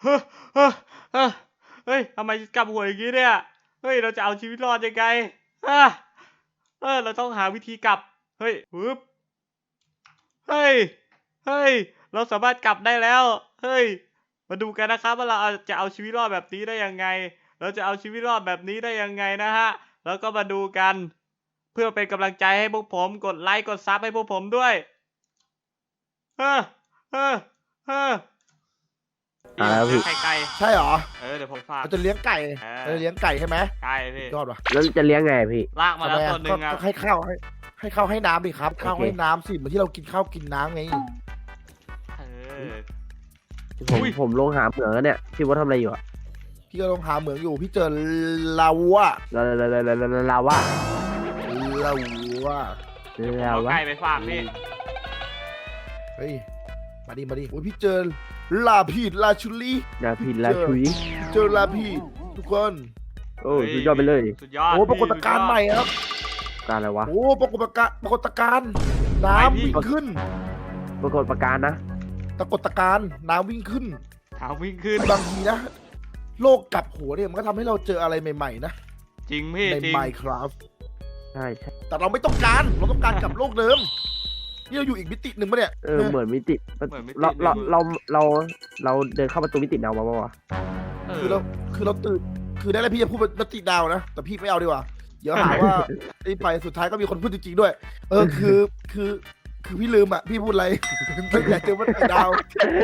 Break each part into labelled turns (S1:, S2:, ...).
S1: เฮ้ยเฮ้ยเฮ้ยเฮ้ยทำไมกลับหัวอย่างนี้เนี่ยเฮ้ยเราจะเอาชีวิตรอดยังไงอ่ะเราต้องหาวิธีกลับเฮ้ยปึ๊บเฮ้ยเฮ้ยเราสามารถกลับได้แล้วเฮ้ยมาดูกันนะครับว่าเราจะเอาชีวิตรอดแบบนี้ได้ยังไงเราจะเอาชีวิตรอดแบบนี้ได้ยังไงนะฮะแล้วก็มาดูกันเพื่อเป็นกำลังใจให้พวกผมกดไลค์กดซับให้พวกผมด้วยเฮ้อเฮ้อเฮ้อพี่ไข่ไก่
S2: ใช่เหรอ
S1: เดี๋ยวผมฝาก
S2: เราจะเลี้ยงไก่เราจะเลี้ยงไก่ใช่ไหม
S1: ไก่พี่
S2: ยอดว่ะ
S3: แล้วจะเลี้ยงไงพี่
S1: ลากมาแล้วตัวหนึ่งอ่ะ
S2: ให้ข้าวให้น้ำดิครับข้าวให้น้ำสิเหมือนที่เรากินข้าวกินน้ำไง
S3: ผมลงหาเหมืองแล้วเนี่ยพี่ว่าทำอะไรอยู่อ่ะ
S2: พี่ก็ลงหาเหมืองอยู่พี่เจอลาวะ
S3: ลาวะ
S1: ไก่ไปฝากพี่
S2: เฮ้ยมาดิโอ้ยพี่เจอลาพีดลาชุลีเจอลาพีดทุกคน
S3: โอ้สุดยอดไปเลย
S1: สุดยอด
S2: โอ้ปรากฏการณ์ใหม่ครับ
S3: การอะไรวะ
S2: โอ้ปรากฏการณ์น้ำวิ่งขึ้น
S3: ปรากฏการณ์นะ
S2: ปรากฏการณ์น้ำวิ่งขึ้นบางทีนะโลกกลับหัวเนี่ยมันก็ทำให้เราเจออะไรใหม่ๆนะ
S1: จริงพี่
S2: ใน Minecraft
S3: ใช่
S2: แต่เราไม่ต้องการเราต้องการกลับโลกเดิมนี่เราอยู่อีกมิติหนึ่งปะเนี่ย
S3: เหมือนมิติเราเดินเข้าประตูมิติดาวมาป่ะ
S2: คือเราตื่นคือได้แล้วพี่จะพูดมิติดาวนะแต่พี่ไม่เอาดีกว่าเดี๋ยวหาว่าไอ้ไปสุดท้ายก็มีคนพูดจริงๆด้วยคือพี่ลืมอ่ะพี่พูดอะไรไม่อยากเจอมิติดาว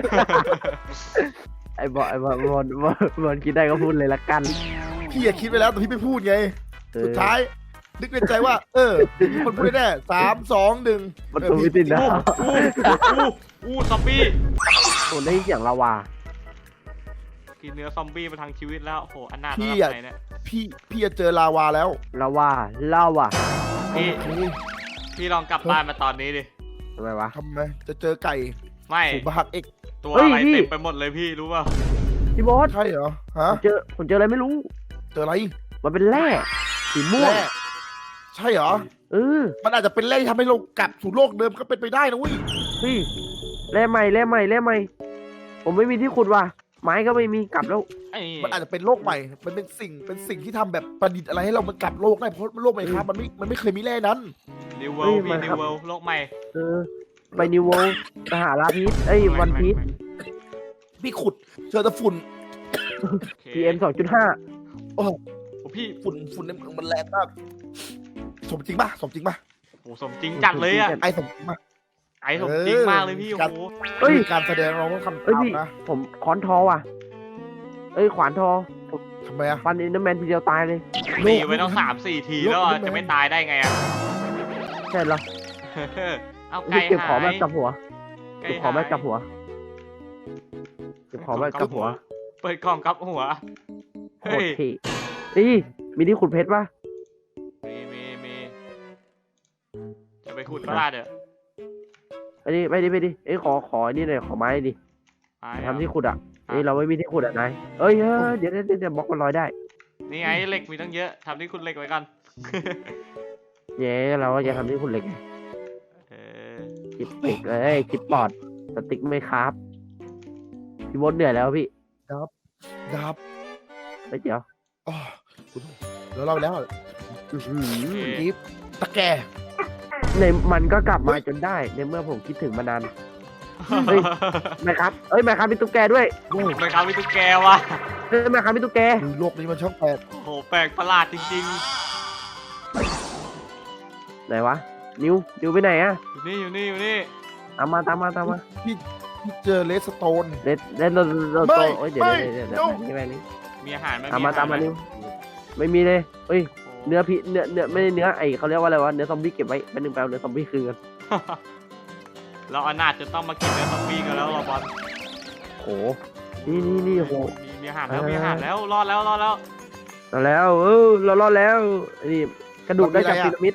S3: ไอ้บอลคิดได้ก็พูดเลยละกัน
S2: พี่อยากคิดไปแล้วแต่พี่ไม่พูดไงสุดท้ายนึกในใจว่ามีคนพูดแน่3 2 1
S3: ประตูมิติดาว
S1: ซอมบี้
S3: โอ้ได้เสียงลาวา
S1: กินเนื้อซอมบี้มาทางชีวิตแล้วโหอันน่า
S2: พี่เนี่ยพี่จะเจอลาวาแล้ว
S3: ลาวา
S1: พี่ลองกลับบ้านมาตอนนี้ดิ
S3: ทำไมวะ
S2: จะเจอไก่
S1: ไม่
S2: บหักเอก
S1: ตัวอะไรเต็มไปหมดเลยพี่รู้ป่ะ
S3: พี่บอส
S2: ใช่เหรอฮะ
S3: ผมเจออะไรไม่รู้
S2: เจออะไร
S3: มันเป็นแร่สีม่วง
S2: ใช่เหรอมันอาจจะเป็นแร่ที่ทำให้เรากลับสู่โลกเดิมก็เป็นไปได้นะเว้ย
S3: พี่แร่ใหม่ผมไม่มีที่ขุดว่ะไม้ก็ไม่มีกลับแล้ว
S2: มันอาจจะเป็นโลกใหม่มันเป็นสิ่งที่ทำแบบประดิษฐ์อะไรให้เรามันกลับโลกได้เพราะโลกใหม่ครับมันไม่เคยมีแร่นั้น
S1: นิวเวิลด์นิวเวิลด์โลกใหม่
S3: ไปนิวเวิลด์สหราพีชวันพีช
S2: พี่ขุดเจอแต่ฝุ่น
S3: PM 2.5
S2: โอ้พี่ฝุ่นในเมืองมันแรงมากสมจริงป่ะโ
S1: อ้สมจริงจัดเลยอ่ะ
S2: ไอสมจริงป่ะ
S1: ไอสมจริงมากเลยพี่โอ้โห
S2: การแสดงเราต้องทำตามนะ
S3: ผมค้อนทอว่ะขวานทอ
S2: ทำไมอะ
S3: ฟันอินเดอร์แมนทีเดียวตายเลย
S1: ตีไว้ต้อง3-4 ทีแล้วจะไม่ตายได้ไงอ่ะ
S3: ใช่เหรอ
S1: เอาไก่
S3: เก็บของมากับหัวเก็บของมากับหัวเ
S1: ปิดกล่องกับหัว
S3: เฮ้ยมีที่ขุดเพชรป่ะ
S1: มีจะไปขุดปลาเด้อ
S3: ไปดิขอนี่หน่อยขอไม้ดิทำที่ขุดอ่ะเราไม่มีที่ขุดอ่ะนายเดี๋ยวบล็อกมันลอยได้
S1: นี่ไงเหล็กมีตั้งเยอะทำที่ขุดเหล็กไว้กัน
S3: เราก็จะทำที่ขุดเหล็กคิดเหล็กคิดปอดสติ๊กไม่ครับพี่บดเหนื่อยแล้วพี่
S2: ดับ
S3: ไม่เดี๋ยว
S2: แล้วเรากิฟตะแก
S3: ในมันก็กลับมาจนได้ในเมื่อผมคิดถึงมานานไม่ครับมีตุ๊กแกด้วย
S1: ไม่ครับมีตุ๊กแกวะ
S3: ไม่ครับมีตุ๊กแก
S2: โลกนี้มันช่างแปลก
S1: โหแปลกประหลาดจริง
S3: ๆไหนวะนิวไปไหนอะ
S1: อยู่นี่
S3: ตามมา
S2: พี่เจอเลสโตน
S3: เดี๋ยว
S1: มีอาหารไหม
S3: ตามมานิวไม่มีเลยเนื้อไม่ได้เนื้อเขาเรียกว่าอะไรวะเนื้อซอมบี้เก็บไว้เป็นหนึ่งแปลเนื้อซอมบี้คืนกัน
S1: เราอนาถจะต้องมากินเนื้อซอมบี้กันแล้วเราบอล
S3: โอ้นี่โห
S1: มีอาหารแล้วรอดแล้ว
S3: เรารอดแล้วนี่กระดูกได้จากพีระมิด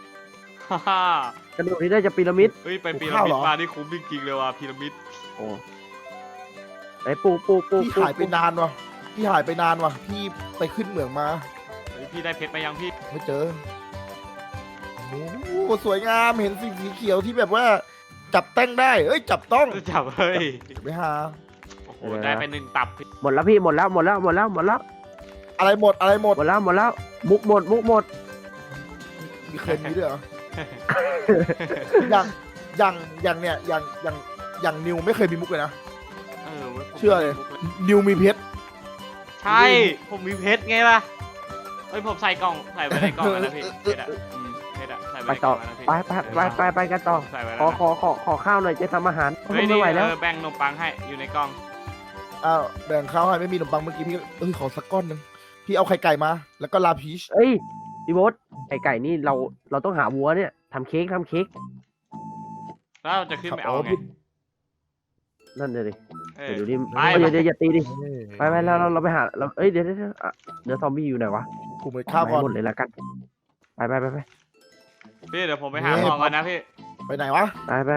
S3: กระดูกที่ได้จากพีระมิด
S1: ไปพีระมิดมาที่คุ้มจริงๆเลยว่ะพีระมิด
S3: โอ้ไอ้ปู
S2: พี่หายไปนานว่ะพี่ไปขึ้นเหมืองมา
S1: พี่ได้เพชรมายังพี่
S2: ไม่เจอโอ้สวยงามเห็นสีเขียวที่แบบว่าจับแต้งได้จับต้อง
S1: จับไปหา
S2: โ
S1: โอ้ได้ไป1 ตับพี่
S3: หมดแล้วพี่หมดแล้ว
S2: อะไรหมดอะไรหมด
S3: หมดแล้วมุกหมด
S2: มีเคยมีด้วยเหรอ อย่างเนี่ยอย่างนิวไม่เคยมีมุกเลยนะ
S1: ว้ยผม
S2: เชื่อเลย นิวมีเพชร
S1: ใช่ ผมมีเพชรไงล่ะเฮ้ยผมใส่กล่องใส่ไว้ในกล่องแล้วนะพี่เพชรอะเพชรอะใส่ไว้
S3: ไป
S1: ในก
S3: ต่
S1: ล่
S3: อ
S1: องแล้วนะพี่
S3: ไปกันต่อ
S1: ใส่ไว้
S3: ข
S1: แล้
S3: อ
S1: วนะ
S3: ขอข้าวหน่อยจะทำอาหาร
S1: เฮ้ย
S3: ไม่
S1: นี่
S3: ไหวแล้ว
S1: แบ่งขนมปังให้อยู่ในกล่อง
S2: อ้าวแบ่งข้าวให้ไม่มีขนมปังเมื่อกี้พี่ขอสักก้อนหนึ่งพี่เอาไข่ไก่มา แล้วก็ลาพีช
S3: เอ้ยพี่โบ๊ทไก่นี่เราต้องหาวัวเนี่ยทำเค้ก
S1: แล้วเราจะขึ้นไปเอาไง
S3: นั่นเลย
S1: เออ
S3: เดี๋ยวดิ
S1: ไป
S3: เดี๋ยวอย่าตีดิไปแล้วเราไปหาเราเอ้ยเดี๋ยวซอมบี้อยู่ไหนวะ
S2: กูไปข้าวก่อน
S3: หมดเลยละกันไป
S1: พี่เดี๋ยวผมไปหาของก่อนนะพี่
S2: ไปไหนวะ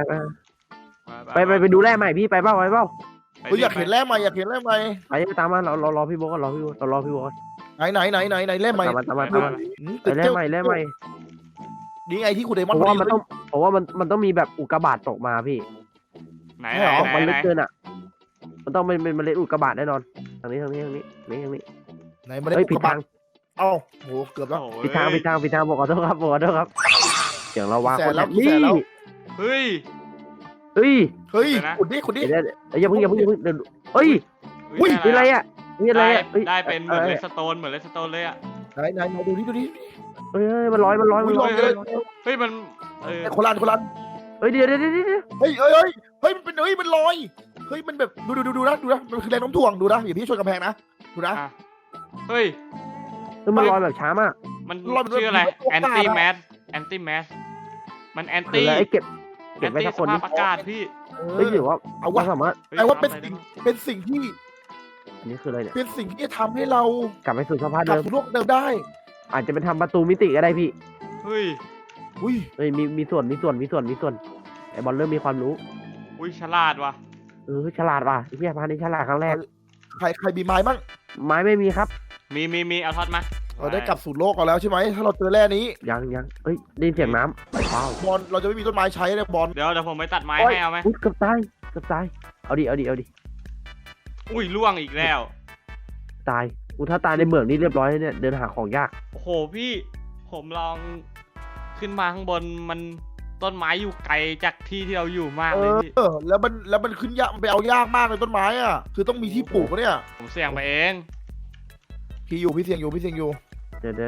S3: ไปดูแร่ใหม่พี่ไปเปล่า
S2: เฮ้ยอยากเห็นแร่ใหม่อยากเห็นแร่ใหม่
S3: ไปตามมาเรารอพี่โบ๊ทก่อนรอพี่โบ๊ทก่อน
S2: ไหนแร่ใหม่
S3: ตามมา
S2: ตึก
S3: แร่
S2: เจ้า
S3: ใหม่
S2: นี่ไงที่คุณเดม
S3: เพ
S2: อน
S3: ราะว่า
S2: พอดี
S3: มันต้องมีแบบอุกกาบาตตกมาพี่
S1: ไหน
S3: ตกมัน
S1: ไหน
S3: ลึกเกินอ่ะมันต้องเป็นเมล็ดอุกกาบาตแน่นอนทางนี้
S2: ไหนมา
S3: เฮ้ย
S2: ได้
S3: ผิดทาง
S2: เอ้าโหเกือบแล้ว
S1: โอ้ย
S3: ผิดทางบอกขอโทษครับเสียงเราวาง
S2: แส
S3: คน น
S2: แล้ว
S3: นี่
S2: แสนแล้ว
S1: เฮ้ย
S3: เฮ้ย
S2: เฮ้ย
S1: เดี๋ยวนะ
S2: ขุดดิ
S3: เดี๋ยวอย่าเพิ่งเดี๋ยวเฮ้ย
S2: อุ้ย
S3: นี่อะไรอ่ะนี่อะไรอ่ะ
S1: ได้เป็นเหมือนเลสโตนเลยอะ
S2: ไหนดูดิ
S3: เฮ้ยมันลอย
S2: อุ้ยลอยเลย
S1: เฮ้ยมัน
S2: คนละ
S3: เฮ้ยเดี๋ยว
S2: เฮ้ยมันเป็นมันลอยเฮ้ยมันแบบดูนะมันคือแรงโน้มถ่วงดูนะอย่าพี่ชนกำแพงนะดูนะ
S1: อ่ะเฮ้ย
S3: มันลอยแบบช้ามาก
S1: มัน
S2: รอบ
S1: ชื่ออะไร
S2: มัน
S1: แอนตี้แมสมันแอน
S3: คือ
S1: ตี้
S3: อะไรเก็บ
S1: แอน
S3: ไว้
S1: ตี้
S3: สัก
S1: ส
S3: คน
S1: ภา
S3: นี้
S1: พอากาศพี่
S3: เฮ้ยหรือว่า
S2: เอา
S3: เรา
S2: วะ
S3: สามารถ
S2: ไอ้ว่าเป็นสิ่งที่
S3: อันนี้คืออะไรเนี่ย
S2: เป็นสิ่งที่จะทำให้เรา
S3: กลับไปสู่สภาพ
S2: กลับ
S3: เดิม
S2: สู่โลกเดิมได้
S3: อาจจะเป็นทำประตูมิติก็ได้พี่
S1: เฮ้ย
S2: อุ้ย
S3: เฮ้ยมีส่วนไอ้บอลเริ่มมีความรู้
S1: อุ้ยฉลาดว่ะ
S3: ฉลาดว่ะไอ้พี่พานี่ฉลาดครั้งแรก
S2: ใครมีไม้บ้าง
S3: ไม้ไม่มีครับ
S1: มีเอาทอดมา
S2: เราได้กลับสู่โลกกันแล้วใช่ไหมถ้าเราเจอแร่นี้
S3: ยังเอ้ยได้ยินเสียงน้ำว้าว
S2: บอลเราจะไม่มีต้นไม้ใช้เลยบอล
S1: เดี๋ยวผมไปตัดไม้
S3: โอ้ย
S1: ให้เอาไหม
S3: อุ๊ยเกือบตายเอาดิ
S1: อุ้ยล่วงอีกแล้ว
S3: ตายถ้าตายในเหมืองนี่เรียบร้อยแล้วเนี่ยเดินหาของยาก
S1: โอ้โหพี่ผมลองขึ้นมาข้างบนมันต้นไม้อยู่ไกลจากที่ที่เราอยู่มากเลยพี่
S2: แล้วมันขึ้นยากมันไปเอายากมากเลยต้นไม้อ่ะคือต้องมีที่ปลูกเนี่ย
S1: ผมเสี่ยงไปเอง
S2: พี่เสียงอยู่
S3: เดี๋ยว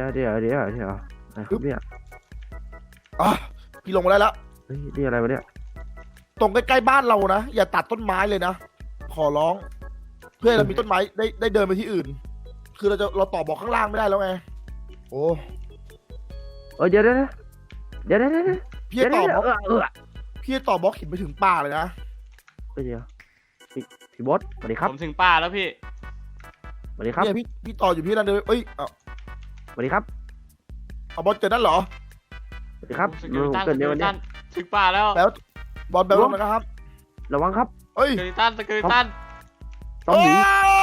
S3: เนี่ย
S2: อ่ะพี่ลงมาได้แล้ว
S3: เฮ้ยนี่อะไรวะเนี่ย
S2: ตรงใกล้ๆบ้านเรานะอย่าตัดต้นไม้เลยนะขอร้อง เพื่อให้เรามีต้นไม้ได้เดินไปที่อื่น คือเราต่อบล็อกข้างล่างไม่ได้แล้วไงโอ้
S3: เดี๋ยว
S2: พี่จะต่อบล็อกพี่จะต่อบล็อกหินไปถึงป่าเลยนะ
S3: เดี๋ยวพี่บอสสวัสดีครับ
S1: ผมถึงป่าแล้วพี่
S3: สวัสดีครับ
S2: เนี่ยพี่ต่ออยู่พี่นั่นเลยเอ้ยเอา
S3: สวัสดีครับ
S2: เอาบอลเจอนั่นเหรอ
S3: สวัสดีครับ
S1: สกิลตัน
S3: เกิดในวันนี้
S1: ถึงป่าแล้ว
S2: แล้วบอลแบบลงนะครับ
S3: ระวังครับ
S2: เอ้ย
S1: สกิลตัน
S3: ต้องหนี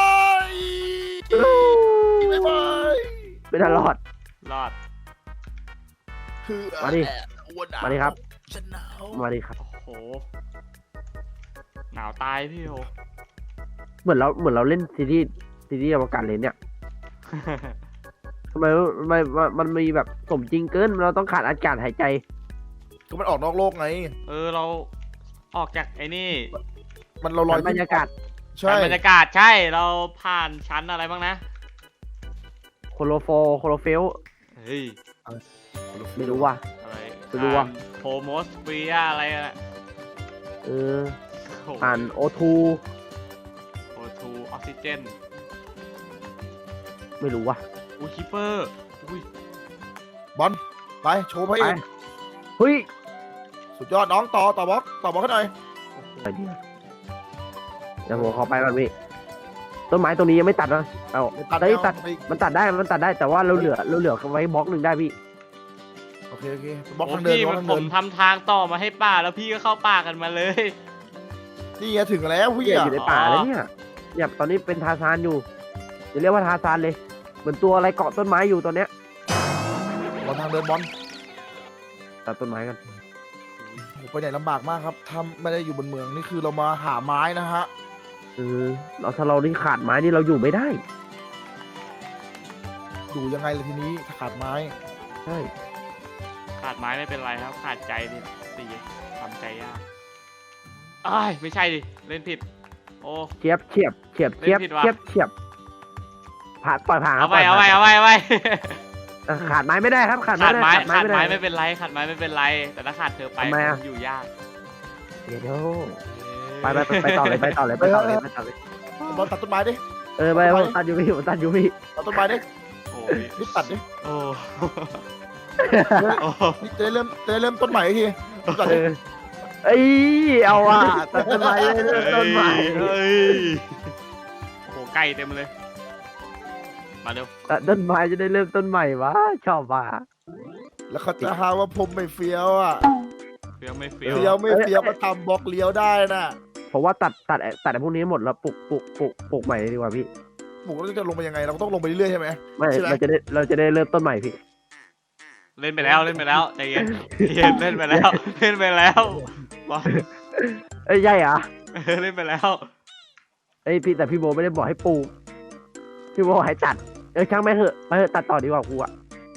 S2: ไม่ไหว
S3: ไม่ทันรอด
S1: รอด
S2: คือ
S3: มาดิ มาดิครับ
S2: ฉันหนาว
S3: มาดิครับ
S1: โอ้โหหนาวตายพี่โห
S3: เหมือนเราเล่นซีรีส์อวกาศเลยเนี่ยทำไมมันมีแบบสมจริงเกินเราต้องขาดอากาศหายใจ
S2: ก็มันออกนอกโลกไง
S1: เราออกจากไอ้นี่
S2: มันเราลอย
S3: บรรยากาศ
S2: ใช่
S1: บรรยากาศใช่เราผ่านชั้นอะไรบ้างนะ
S3: โคโลเฟล
S1: เฮ้ย
S3: ไม่รู้ว่ะ
S1: อะไร
S3: ไม่รู้ว่ะ
S1: โพโมสเฟียอะไรอะ
S3: ผ่านโอทู
S1: โอทูออกซิเจน
S3: ไม่รู้ว่ะ
S1: อุ้ยคิปเปอร์อุ้ย
S2: บอลไปโชว์พระเอก
S3: เฮ้ย
S2: สุดยอดน้องต่อบล็อกให้หน่อย
S3: ไปดิเดี๋ยวผมขอไปก่อนพี่ต้นไม้ตัวนี้ยังไม่ตัดนะเอา
S2: ตัด
S3: ได้ตัด
S2: ไป
S3: มันตัดได้แต่ว่าเราเหลือไว้บล็อกหนึ่งได้พี่
S2: โอเคบล็อก
S1: โอ้
S2: ทางเดิน
S1: พี่
S2: บล็อก
S1: มัน
S2: ทาง
S1: ผ
S2: เดิ
S1: ม
S2: น
S1: ทำทางต่อมาให้ป่าแล้วพี่ก็เข้าป่ากันมาเลย
S2: นี่ไงถึงแล้วพี่
S3: พี่อ
S2: อ่ะ
S3: ยู่ในป่าแล้วเนี่ยตอนนี้เป็นทาซานอยู่จะเรียกว่าทาซานเลยเหมือนตัวอะไรเกาะต้นไม้อยู่ตอนเนี้ย
S2: บอลทางเดินบอล
S3: ตัดต้นไม้กัน
S2: ไปไหนลำบากมากครับถ้าไม่ได้อยู่บนเมืองนี่คือเรามาหาไม้นะฮะ
S3: เราถ้าเรานี่ขาดไม้นี่เราอยู่ไม่ได้
S2: อยู่ยังไงล่ะทีนี้ถ้าขาดไม้
S3: ใช่
S1: ขาดไม้ไม่เป็นไรครับ ขาดใจดิตีทำใจยากอ้ายไม่ใช่ดิ เล่นผิด โอ้
S3: เฉียบเฉียบเฉียบเฉียบ
S1: เล่นผิดว่ะ
S3: เฉียบเฉียบผ่านปล่อยผ่านครั
S1: เอา
S3: บ
S1: ไป
S3: ปล่ย
S1: เอา
S3: ผ่
S1: ไป
S3: น
S1: เอาไปเอาไป
S3: ขาดไม้ไม่ได้ครับขาด
S1: ขาดไม้
S3: ไม่
S1: ขาด
S3: ได้
S1: ไม้ไม่เป็นไร ขาดไม้ไม่เป็นไร แต่ถ้าขาดเธอไป
S3: ทำไมอะ
S1: อยู่ยาก
S3: เดี๋ยวไปต่อเลยไปต่อเลยไปต่อเลยไปต่อเลย
S2: บอลตัดต้นไม้ดิ
S3: ไปตัดอยู่พี่ผมตัดอยู่พี่
S2: ตัดต้นไม้ดิ
S1: โอ้ย
S2: รีบตัดดิ
S1: โอ้โอ้
S2: นี่จะได้เริ่มต้นใหม่อีกทีตัด
S3: เอ
S2: ดิ
S3: อเอ้ยเอาว่ะตัดต้นไม้เลยต้นไม้
S1: เฮ้ยโอ้โหไก่เต็มเลย มาเร็ว
S3: ตัดต้นไม้จะได้เริ่มต้นใหม่วะชอบว่ะ
S2: แล้วเขาจะหาว่าผมไม่เฟี้ยวอ่ะ
S1: เฟี้ยวไม่เฟี้
S2: เฟี้
S1: ย
S2: ยว วไม่เฟี้ยวมาทำบล็อกเลี้ยวได้น่ะ
S3: ผมว่าตัดไอ้พวกนี้หมดแล้วปลูกใหม่ดีกว่าพี่
S2: หมูเราจะลงไปยังไงเราก็ต้องลงไปเรื่อยๆใช่ไหม
S3: ไม่
S2: ใช่ไหม
S3: เราจะได้เริ่มต้นใหม่พี่
S1: เล่นไปแล้วใจเย็นใจเย็นเล่นไปแล้วเล่นไปแล้วบอล
S3: เอ้ยใช่เหรอ
S1: เล่นไปแล้ว
S3: เอ้ยพี่แต่พี่โบไม่ได้บอกให้ปลูกพี่โบบอกให้ตัดช่างไม่งเหอะไปเหอะตัดต่อดีกว่ากูอะ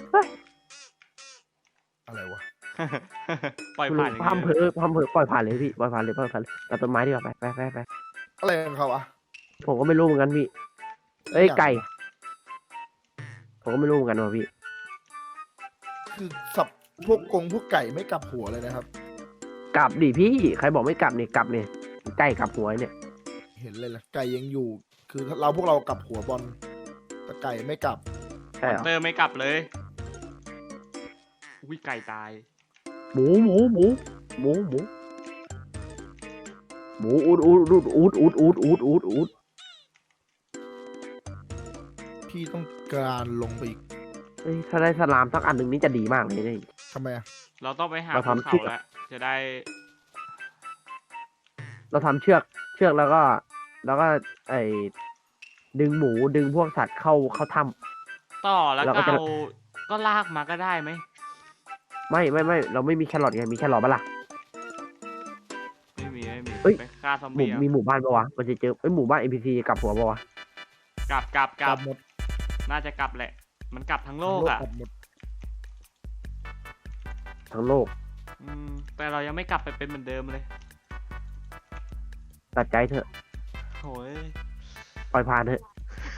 S2: อะไรวะ
S1: ปล่อยผ่านอย่าง
S3: พัมเพ
S1: เงี้ย
S3: อปล่อยผ่านเลยพี่ปล่อยผ่านเลยตัดต้นไม้ดีกว่าไป
S2: อะไรของเขาอ่ะ
S3: ผมก็ไม่รู้เหมือนกันพี่เอ้ยไก่ผมก็ไม่รู้เหมือนกันว่ะพี่
S2: คือสับพวกไก่ไม่กลับหัวเลยนะครับ
S3: กลับดิพี่ใครบอกไม่กลับเนี่ยกลับเนี่ยไก่กลับหัวเนี่ย
S2: เห็นเลยล่ะไก่ยังอยู่ คือพวกเรากลับหัวบอลแต่ไก่ไม่กลับ
S3: ใช่เหรอ
S1: เตอร์ไม่กลับเลยอุ้ยไก่ตาย
S3: หมูอูด
S2: พี่ต้องการลงไปอีก
S3: เอ้ยถ้าได้สลามสักอันหนึ่งนี่จะดีมากเลยเนี่ย
S2: ทำไมอ่ะ
S1: เราต้องไปหา
S3: เรา
S1: ภู
S3: ทำ
S1: เขา
S3: เชือก
S1: แล้วจะได้
S3: เราทำเชือกแล้วก็ไอ้ดึงหมูดึงพวกสัตว์เข้าถ้ำ
S1: ต่อแล้ว
S3: เรา
S1: ก็
S3: ก็จะ
S1: เอาก็ลากมาก็ได้ไหม
S3: ไม่เราไม่มีแครอทไงมีแครอทปะล่ะ
S1: ไม่มี
S3: เอ้ย
S1: ไปฆ่าซอมบี้เอา
S3: มีหมู่บ้านปะวะมันจะเจอหมู่บ้าน NPC กลับหัวปะวะ
S1: กลับ
S2: กลับหมด
S1: น่าจะกลับแหละ มันกลับทั้งโลกอ่ะ
S2: กลับหมด
S3: ทั้งโลก
S1: แต่เรายังไม่กลับไปเป็นเหมือนเดิมเลย
S3: ตัดใจเถอะ
S1: โอ้ย
S3: ปล่อยผ่านเถอะ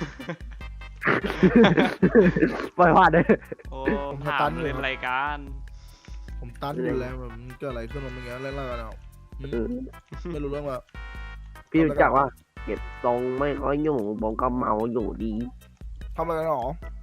S3: ปล่อยผ่านเถอะ
S1: โอ้ถามเล่นรายการ
S2: ผมตันอยู่แล้วแบบมันเกิดอะไรขึ้นมาเมื่อกี้เล่นๆกันเอาไม่รู้เรื่องว่า
S3: พี่รู้จักว่าเก็บทรงไม่ค่อยอยู่ผมก็เมาอยู่ดี
S2: ทำอะไรกันหรอ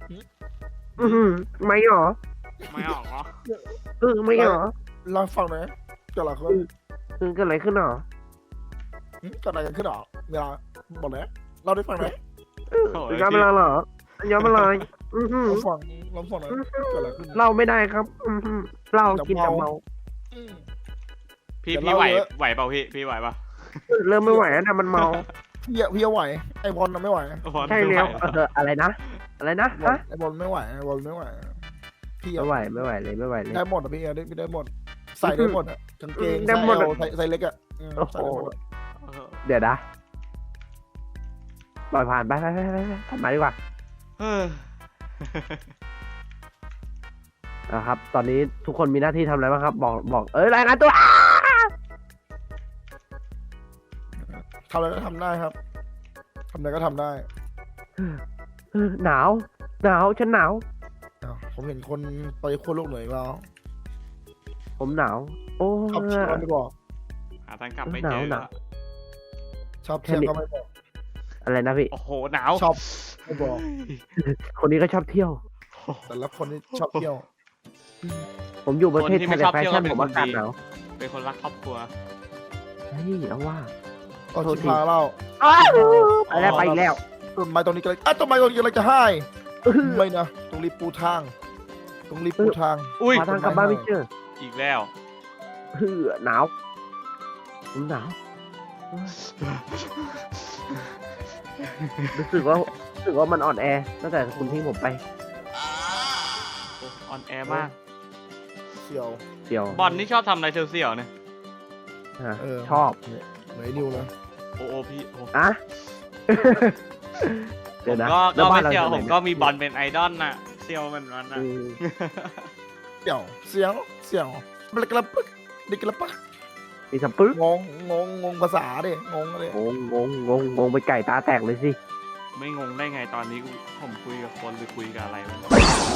S3: ไม่หรอ
S1: ไม่ออกเหรอ
S3: ไม่หรอ
S2: เล่าให้ฟังหน่อยเกิดอะไรขึ้น
S3: เกิดอะไรขึ้นหรอ
S2: เกิดอะไรกันขึ้นหรอเวลาบอกเลยเล่าได้ฟังหน่อย
S1: โอ้ย
S3: ย้อนเวลาเหรอย้อนเวลา
S2: เราฟังหน่อยเกิดอะไรขึ้น
S3: เราไม่ได้ครับเรากินแต่เมา
S1: พี่
S2: เดี๋ยว
S1: พี่ไหว
S2: เล่าเยอะ
S1: ไหวเปล่าพี่ไหวเปล่า
S3: เริ่มไม่ไหวแล้วนะมันเมา
S2: พี่ไหวไอบอลน่ะไม่ไหว
S3: ใช่แล้วอะไรนะฮะ
S2: ไอบอลไม่ไหวไอบอลไม่ไหวพี่
S3: ไม่ไหวเลยไม่ไหวเลย
S2: ได้หมดอ่ะพี่ได้หมดใส่ได้หมดอ่ะกางเกง
S3: ได้หมดอะ
S2: ใส่เล็กอ่ะใส่ได้หมด
S3: เดี๋ยวนะปล่อยผ่านไปทำมาดีกว่า
S1: เออ
S3: นะครับ ตอนนี้ทุกคนมีหน้าที่ทำอะไรบ้างครับ บอกรายงานตัว
S2: ทำอะไรก็ทำได้ครับทำอะไรก็ทำได้
S3: หนาวฉันหนาว
S2: ผมเห็นคนไปขั้วโลกเหนืออีกแล้ว
S3: ผมหนาว โอ้
S2: ชอบเที่ยวไม่บอก
S1: หาทางกลับไม่เจอ
S3: หนาว
S2: ชอบเที่ยวก็ไม่บอก
S3: อะไรนะพี่
S1: โอ้โหหนาว
S2: ชอบไม่บอก
S3: คนนี้ก็ชอบเที่ยว
S2: แต่ละคนนี่ชอบเที่ยว
S3: ผมอยู่ประเทศไทยแต่แฟชั่นผมอากาศหนาว
S1: เป็นคนรักครอบครัว
S3: เฮ้ยเอาว่า
S2: ก็ชิพาเล่า
S3: ไปแล้ว
S2: ต้นไม้ตรงนี้ก็เลยต้นไม้ตรงนี้ก็เลยจะให้ไม่นะต้องรีบปูทาง
S1: อุ้ย
S3: มาทางกลับบ้านไม่เจอ
S1: อีกแล้ว
S3: หนาวผมหนาวรู้สึกว่ามันอ่อนแอตั้งแต่คุณทิ้งผมไป
S1: ออนแอร์มาก
S2: เสี่ยว
S3: เดี๋ยว
S1: บอลนี่ชอบทำอะไรเสี่ยวๆเนี่ย
S3: ชอบ
S2: ไหนนิวเลย
S1: โอ้พี่โอ้
S3: อะ
S1: ผ
S3: เดี๋ยว
S1: ม
S3: นะ
S1: ก็
S3: แล้วบ้าน
S1: ไม่
S3: เรา
S1: เซียว
S3: ทำไ
S1: ผมก็มีบอลเป็นไอดอลน่ะเซียวมันนั้น
S3: เอ
S1: น่ะ
S3: อ
S2: เสียวบลกระปึกดิกระปัก
S3: มีสปึ๊ก
S2: งงภาษาดิงงเลย
S3: งงไปไก่ตาแตกเลยสิ
S1: ไม่งงได้ไงตอนนี้ผมคุยกับคนหรือคุยกับอะไรวะ